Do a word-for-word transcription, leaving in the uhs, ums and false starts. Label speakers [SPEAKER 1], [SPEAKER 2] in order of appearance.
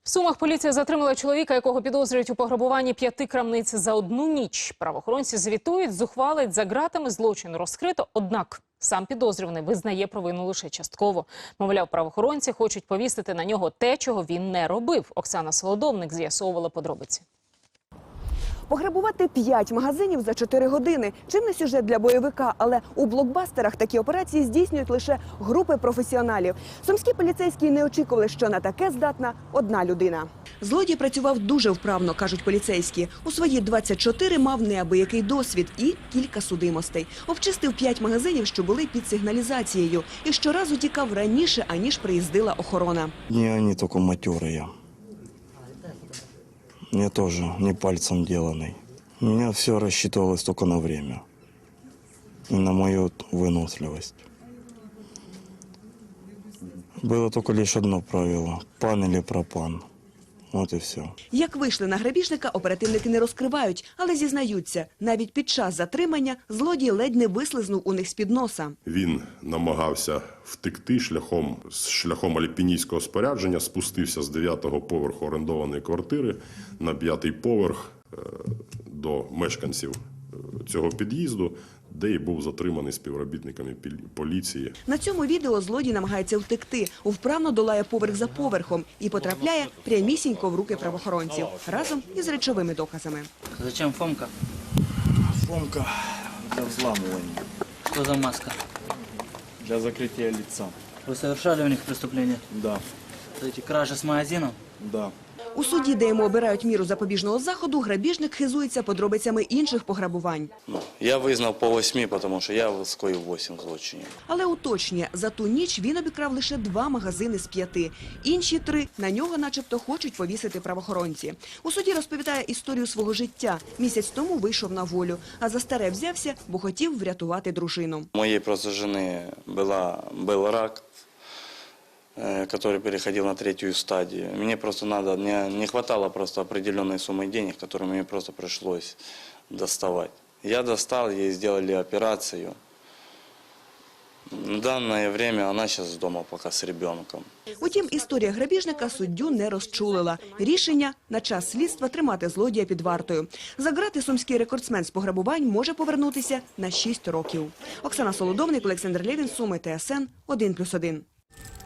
[SPEAKER 1] В Сумах поліція затримала чоловіка, якого підозрюють у пограбуванні п'яти крамниць за одну ніч. Правоохоронці звітують, зухвалить, за ґратами злочин розкрито, однак сам підозрюваний визнає провину лише частково. Мовляв, правоохоронці хочуть повісити на нього те, чого він не робив. Оксана Солодовник з'ясовувала подробиці.
[SPEAKER 2] Пограбувати п'ять магазинів за чотири години. Чим не сюжет для бойовика, але у блокбастерах такі операції здійснюють лише групи професіоналів. Сумські поліцейські не очікували, що на таке здатна одна людина. Злодій працював дуже вправно, кажуть поліцейські. У свої двадцять чотири мав неабиякий досвід і кілька судимостей. Обчистив п'ять магазинів, що були під сигналізацією. І щоразу тікав раніше, аніж приїздила охорона.
[SPEAKER 3] Не они только матерые. Я тоже не пальцем деланный. У меня все рассчитывалось только на время. И на мою выносливость. Было только лишь одно правило. Пан или пропан. Вот и все.
[SPEAKER 2] Як вийшли на грабіжника, оперативники не розкривають, але зізнаються, навіть під час затримання злодій ледь не вислизнув у них з-під носа.
[SPEAKER 4] Він намагався втекти шляхом, шляхом альпіністського спорядження, спустився з дев'ятого поверху орендованої квартири на п'ятий поверх е, до мешканців цього під'їзду, де і був затриманий співробітниками поліції.
[SPEAKER 2] На цьому відео злодій намагається втекти, вправно долає поверх за поверхом і потрапляє прямісінько в руки правоохоронців разом із речовими доказами.
[SPEAKER 5] Зачем Фомка?
[SPEAKER 6] Фомка для взламывания,
[SPEAKER 5] Что за маска?
[SPEAKER 6] для закрытия лица.
[SPEAKER 5] Вы совершали у них преступление?
[SPEAKER 6] Да,
[SPEAKER 5] Эти кражи с магазином?
[SPEAKER 6] да.
[SPEAKER 2] У суді, де йому обирають міру запобіжного заходу, грабіжник хизується подробицями інших пограбувань.
[SPEAKER 3] Ну, я визнав по восьми, тому що я скоїв вісім злочинів.
[SPEAKER 2] Але уточнює, за ту ніч він обікрав лише два магазини з п'яти. Інші три на нього начебто хочуть повісити правоохоронці. У суді розповідає історію свого життя. Місяць тому вийшов на волю, а за старе взявся, бо хотів врятувати дружину.
[SPEAKER 3] У моєї просто жени була, був рак, который переходил на третью стадию. Мне просто надо, мне не хватало просто определенной суммы денег, которую мне просто пришлось доставать. Я достал, ей сделали операцию. В данное время она сейчас дома пока с ребенком.
[SPEAKER 2] Утім, історія грабіжника суддю не розчулила. Рішення на час слідства тримати злодія під вартою. За ґрати сумський рекордсмен з пограбувань може повернутися на шість років. Оксана Солодовник, Олександр Лєвін, Суми, Т С Н, один плюс один.